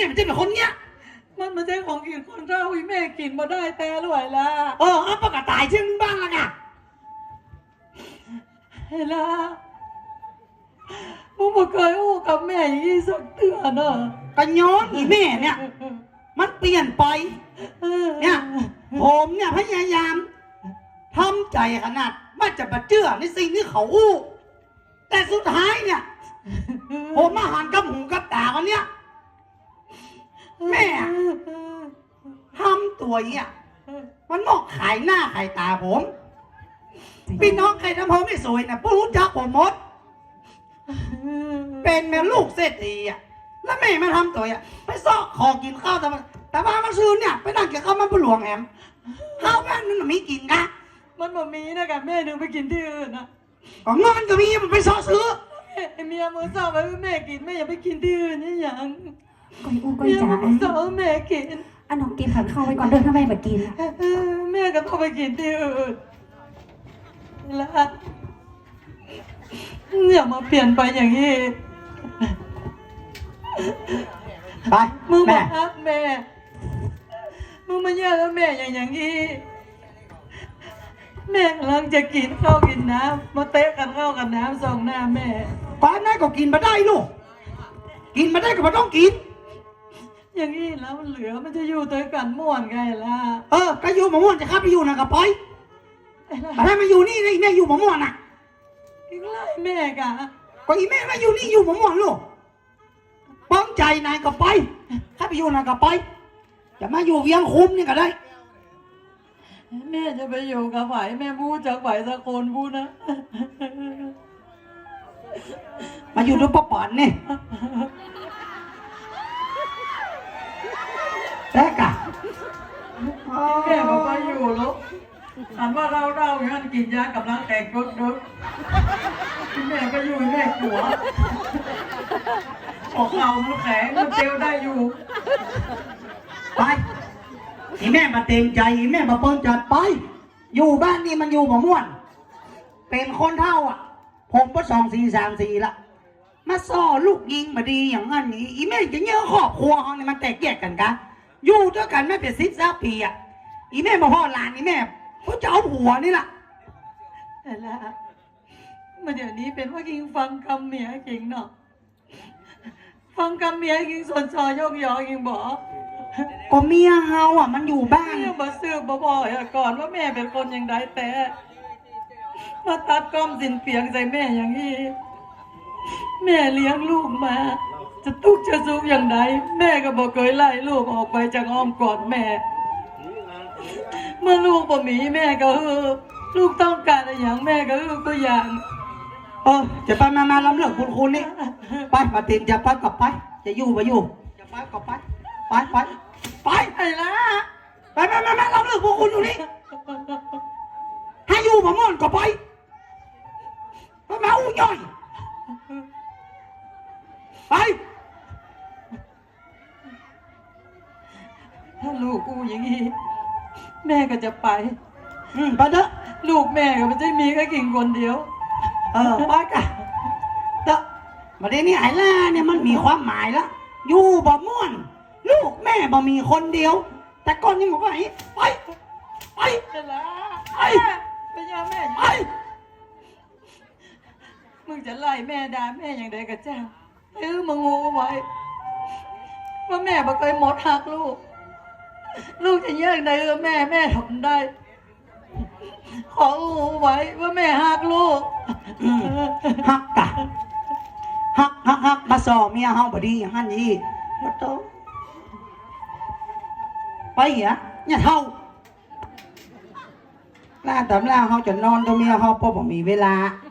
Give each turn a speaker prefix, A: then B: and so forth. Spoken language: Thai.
A: มันจะเป็นคนเนี้ย
B: มันไม่ใช่ของกินคนเท่าอีแม่กินมาได้แต่รวยละ
A: เอาปากกาตายเชื่อบ้างละไง
B: เฮ้ล่ะมึงไม่เคยอู้กับแม่อย่างนี้สักเตือนเนอะ
A: ก็ย้อนอีแม่เนี่ยมันเปลี่ยนไปเนี่ยผมเนี่ยพยายามทำใจขนาดว่าจะมาเชื่อในสิ่งที่เขาอู้แต่สุดท้ายเนี่ยผมมาหันกับหูกับตากันเนี่ยแม่ทำตัวเนี่ยมันมอกขายหน้าขายตาผมพี่น้องใครทำผมไม่สวยนะพวกรู้จักผมหมดเป็นแม่ลูกเศรษฐีอ่ะแล้วแม่มาทำตัวอ่ะไปซอกคอกินข้าวแต่ว่ามาซื้อเนี่ยไปนั่งกินข้าวมันปลวงแหมข้าวบ้านมันไม่กินกะ
B: มันบ่มีนะกับแม่หนึ่งไปกินที่อื่นนะ
A: ก็เงินก็มีมันไปซอซื้อ
B: เมียมือสาวไปแม่กินแม่อย่าไปกินที่อื่นนี่อย่าง
C: ก้อยอู้ก้อยจ๋า
B: สาวแม่กิน
C: น้องกินผัดข้าวไว้ก่อนเดินทำไมแบบกิน
B: แม่ก็ต้องไปกินที่อื่นแล้วอย่ามาเปลี่ยนไปอย่างนี้
A: ไป
B: มึงมาฮักแม่มึงมาแย่แล้วแม่อย่างนี้แม่กำลังจะกินข้าวกินน้ำมาเตะกันข้าวกันน้ำส่องหน้าแม่
A: ป้าแม่ก็กินมาได้ลูกกินมาได้ก็มาต้องกิน
B: อย่างนี้แล้วมันเหลือมันจะอยู่ตัวกันม่วนไงล่ะ
A: ก็อยู่หมม่วนจะข้าไปอยู่นะกับปอยแต่ถ้ามาอยู่นี่แม่อยู่หมม่วนน่ะ
B: อีกไล่แม่กะ
A: ก็อีแม่มาอยู่นี่อยู่หมม่วนลูกป้องใจนายกับปอยข้าไปอยู่นะกับปอยจะมาอยู่เวียงคุ้มนี่ก็ได้
B: แม่จะไปอยู่กับไหวแม่พูดจากไหวสักคนพูดนะ
A: มาอยู่ด้วยป้าป่านนี่แรกอะ
B: แม่บอกว่าอยู่แล้วอันว่าเราอย่างนั้นกินยากำลังแตกรถแม่ก็อยู่แม่หัวออกเข่ามันแข็งมันเตียวได้อยู่
A: ไปอีแม่มาเต็มใจอีแม่มาเปิ้ลจัดไปอยู่บ้านนี่มันอยู่หมม่วนเป็นคนเท่าอ่ะผมก็2 4 3 4ละมาซ่อลูกยิงมาดีอย่างนั้นนี้อีแม่จะเนื้อครอบครัวเขาเนี่ยมันแตกแยกกันกะอยู่ด้วยกันไม่เป็น10 ปีอ่ะอีแม่มาพ่อหลานอีแม่เขาจะเอาผัวนี่แหละ
B: แต่ละมาเดี๋ยวนี้เป็นว่ากิงฟังคำเมียกิงเนาะฟังคำเมียกิงส่วนซอยกยอกิงบอก
A: ก็เมียเฮาอ่ะมันอยู่บ้าน
B: เนี่ยมาซื้อบ่อยก่อนว่าแม่เป็นคนอย่างไรแต่มาตัดก้อมสินเปียงใส่แม่อย่างนี้แม่เลี้ยงลูกมาจะทุกข์จะสุขอย่างไรแม่ก็บอกเคยไล่ลูกออกไปจากอ้อมกอดแม่เมื่อลูกบ่มีแม่ก็ลูกต้องการอะไรอย่างแม่ก็ก็อย่าง
A: จะไปมาล้ำเลิกคุณนี่ไปมาติดจะไปกลับไปจะอยู่ไปอยู่จะไปกลับไปไปไอ้ละไปมาล้ำเลิกคุณอยู่นี่ให้อยู่มาม่อนก็ไปมาอู้ย่อยไป
B: ถ้าลูกกูอย่างนี้แม่ก็จะไป
A: ไปเถอะ
B: ลูกแม่ก็ไม่ใช่มีแค่กิ่งคนเดียว
A: ไปกันเถอะประเด็นนี้ไอ้ล่าเนี่ยมันมีความหมายแล้วอยู่บ่ม่วนลูกแม่บ่มีคนเดียวแต่ก่อนนี่บอกว่าไป
B: ไปยาแม่
A: ไป
B: มึงจะไล่แม่ด่าแม่อย่างใดกับเจ้ามึงงูไว้ว่าแม่บ่เคยหมดหักลูกจะแยกได้แม่ทนได้ของูไว้ว่าแม่หักลูก
A: หักกะหักมาสอเมียเฮาบ่ดีอย่างนั้นนี่บ่โตไปเหรอเนี่ยเท่าล่าตำล่าเฮาจะนอนตัวเมียเฮาเพราะบ่มีเวลา